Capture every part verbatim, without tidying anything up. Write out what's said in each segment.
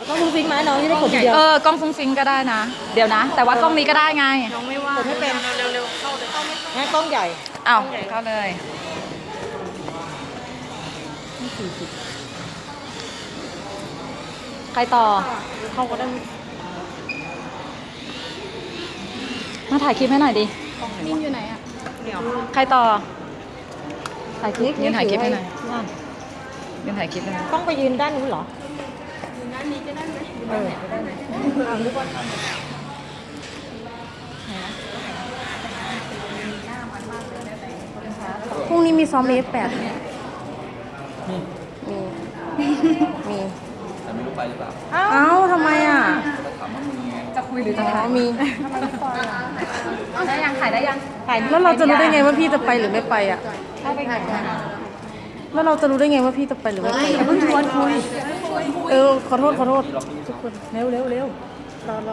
ต้องฟุ้งฟิ้งไหมน้องจะได้กดทีเดียวเออกล้องฟุ้งฟิ้งก็ได้นะ เดี๋ยวนะ แต่ว่ากล้องนี้ก็ได้ไงน้องไม่ว่ากดไม่เป็นเร็วๆเข้าเลยงั้นกล้องใหญ่อ้าวเข้าเลย ใครต่อเข้าก็ได้มาถ่ายคลิปให้หน่อยดินิ่มอยู่ไหนอ่ะเดี๋ยวใครต่อ ถ่ายคลิปยืนถ่ายคลิปให้หน่อยยืนถ่ายคลิปให้หน่อยต้องไปยืนด้านนู้นเหรอยืนด้านนี้จะได้ไหมเออพรุ่งนี้มีซ้อมเอฟแปดเนี่ยมีมีแต่ไม่รู้ไปหรือเปล่าเอ้าทำไมอ่ะถามว่ามึงไงจะคุยหรือจะอ๋ถ่าอย มีได้ยังถ่ายได้ยังแล้วเราจะรู้ได้ไงว่าพี่จะไปหรือไม่ไปอ่ะเข้าไปไหนแล้วเราจะรู้ได้ไงว่าพี่จะไปหรือไม่ไปอย่าเพิ่งชวนคุยเออขอโทษขอโทษทุกคนเร็วเร็วเร็วรอรอ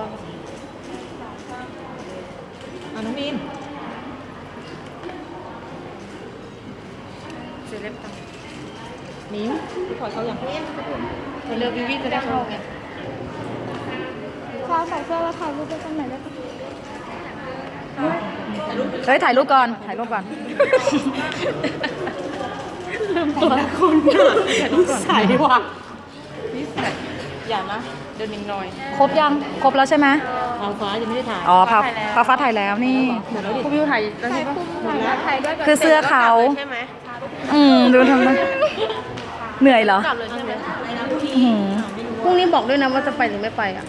อ่ะน้องมีนเซเลบตังนิ้วถอยเขาอย่างนี้เร็ววิวิจะได้เข้าไงขอใส่เสื้อแล้วถ่ายรูปไปตรงไหนได้ปะเฮ้ยถ่ายรูปก่อน ถ่ายรูปก่อนตัวคุณนิสัยว่ะนิสัยอย่านะเดินนิ่งหน่อยครบยัง ครบแล้วใช่ไหมทางฟ้ายังไม่ได้ถ่ายอ๋อพาพาฟ้าถ่ายแล้วนี่หมดแล้วดิคุณวิวถ่ายแล้วใช่ปะหมดแล้วถ่ายด้วยคือเสื้อเขาใช่ไหมอืมดูทำไมเหนื่อยเหรอกลับเลยใช่ไหมอื้อหือพรุ่งนี้บอกด้วยนะว่าจะไปหรือไม่ไปอ่ะ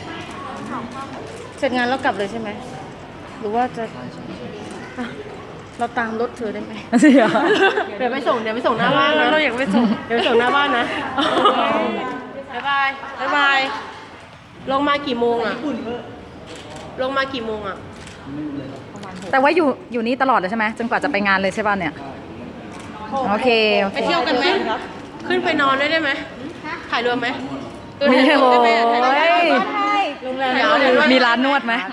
เสร็จงานแล้วกลับเลยใช่ไหมหรือว่าจะอ่ะเราตามรถเธอได้ไหมเสียเดี๋ยวไปส่งเดี๋ยวไปส่งหน้าบ้านนะเราอยากไปส่งเดี๋ยวไปส่งหน้าบ้านนะบ๊ายบายบ๊ายบายลงมากี่โมงอ่ะลงมากี่โมงอ่ะแต่ว่าอยู่อยู่นี่ตลอดเลยใช่ไหมจนกว่าจะไปงานเลยใช่ป่ะเนี่ย โอเคโอไปเคเที่ยวกันไหมขึ้นไปนอนได้ไหมถ่ายรวมไหมมีโอ้ได้ไหมถ่ายรวมไหมยโรงแรมเดี๋ยวเดี๋ยวมีร้านนวดไหม